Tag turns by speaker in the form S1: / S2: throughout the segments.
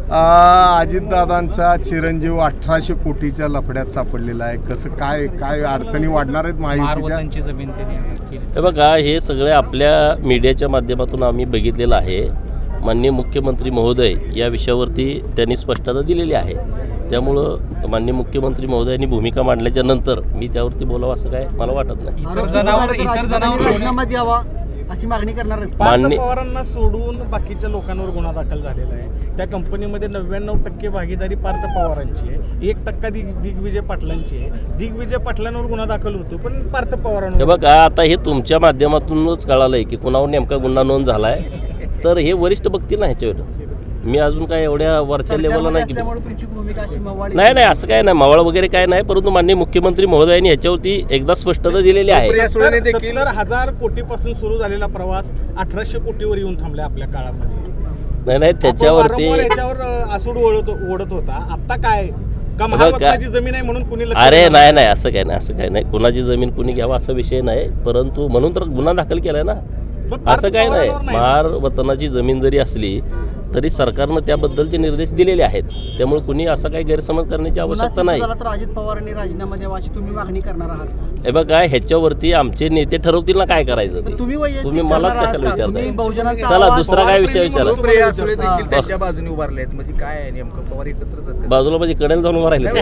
S1: अजितदादांचा चिरंजीव 1800 कोटीच्या लफड्यात सापडलेला आहे. कसं काय काय अडचणी वाढणार आहेत महायुतीच्या?
S2: जमीन
S3: हे बघा, हे सगळे आपल्या मीडियाच्या माध्यमातून आम्ही बघितलेलं आहे. माननीय मुख्यमंत्री महोदय या विषयावरती त्यांनी स्पष्टता दिलेली आहे. त्यामुळं माननीय मुख्यमंत्री महोदयांनी भूमिका मांडल्याच्या नंतर मी त्यावरती बोलावं असं काय मला वाटत नाही.
S2: इतर जनावर
S4: राजीनामा द्यावा अशी मागणी करणार आहे.
S3: माननीय
S5: पवारांना सोडून बाकीच्या लोकांवर गुन्हा दाखल झालेला आहे. त्या कंपनीमध्ये 99% भागीदारी पार्थ पवारांची आहे, 1% दिग्विजय पाटलांची आहे. दिग्विजय पाटलांवर गुन्हा दाखल होतो पण पार्थ पवारांवर.
S3: हे बघा, आता हे तुमच्या माध्यमातूनच कळालंय की कुणावर नेमका गुन्हा नोंद झालाय. तर हे वरिष्ठ बघतील ना ह्याच्यावर. मी अजून काय एवढ्या वरच्या लेवलला नाही.
S4: तुमची भूमिका अशी मवाळी
S3: नाही असं काय नाही, मावळ वगैरे काय नाही. परंतु माननीय मुख्यमंत्री महोदयांनी ह्याच्यावरती एकदा स्पष्टता दिलेली आहे.
S5: 70,000 कोटीपासून सुरू झालेला प्रवास 1800 कोटीवर येऊन थांबला आपल्या काळामध्ये.
S3: नाही त्याच्यावरती
S5: याच्यावर आसूड ओढत होता. आता काय का महाराष्ट्राची जमीन आहे म्हणून कुणी
S3: अरे नाही असं काय नाही. कुणाची जमीन कुणी घ्यावा असा विषय नाही. परंतु म्हणून तर गुन्हा दाखल केलाय ना, असं काय नाही. महार वतनाची जमीन जरी असली तरी सरकारनं त्याबद्दलचे निर्देश दिलेले आहेत. त्यामुळे कुणी असा काही गैरसमज करण्याची आवश्यकता नाही.
S4: तर अजित पवारांनी राजीनामा द्यावा अशी तुम्ही मागणी करणार आहात?
S3: हे बघा, ह्याच्यावरती आमचे नेते ठरवतील ना काय करायचं ते. तुम्ही मलाच कशाला विचारताय? चला दुसरा काय विषय विचारा.
S6: त्यांच्या बाजूने उभारले आहेत म्हणजे काय आहे नेमकं? पवार एकत्रच
S3: बाजूला म्हणजे कडेला जाऊन उभं राहिले.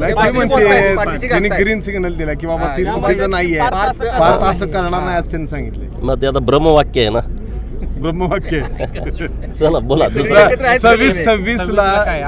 S1: त्यांनी ग्रीन सिग्नल दिला की बाबा ती चुकीचं नाहीये, भारत असं करणार नाही असं त्यांनी सांगितले.
S3: मग ते आता ब्रह्मवाक्य आहे ना,
S1: ब्रह्मवाक्य.
S3: चला बोला.
S1: 26 ला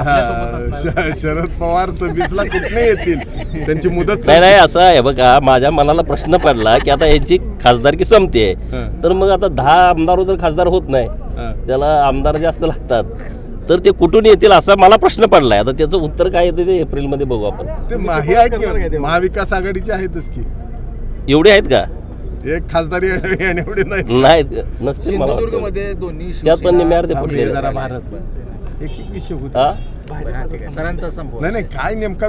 S1: शरद पवार 26 ला कुठे येतील, त्यांची मुदत
S3: नाही असं आहे. बघा, माझ्या मनाला प्रश्न पडला की आता यांची खासदारकी संपते, तर मग आता 10 आमदार जर खासदार होत नाही, त्याला आमदार जास्त लागतात, तर ते कुठून येतील असा मला प्रश्न पडलाय. आता त्याचं उत्तर काय येते ते एप्रिलमध्ये बघू आपण.
S1: ते महाविकास आघाडीचे आहेतच की,
S3: एवढे आहेत का?
S1: एक खासदारी एवढे
S3: नाही नसते.
S6: सिंधुदुर्गमध्ये दोन्ही
S3: त्यात पण निम्यावर ते फुटले.
S1: भारत एक विषय होता.
S6: सरांचा संभव
S1: नाही काय नेमका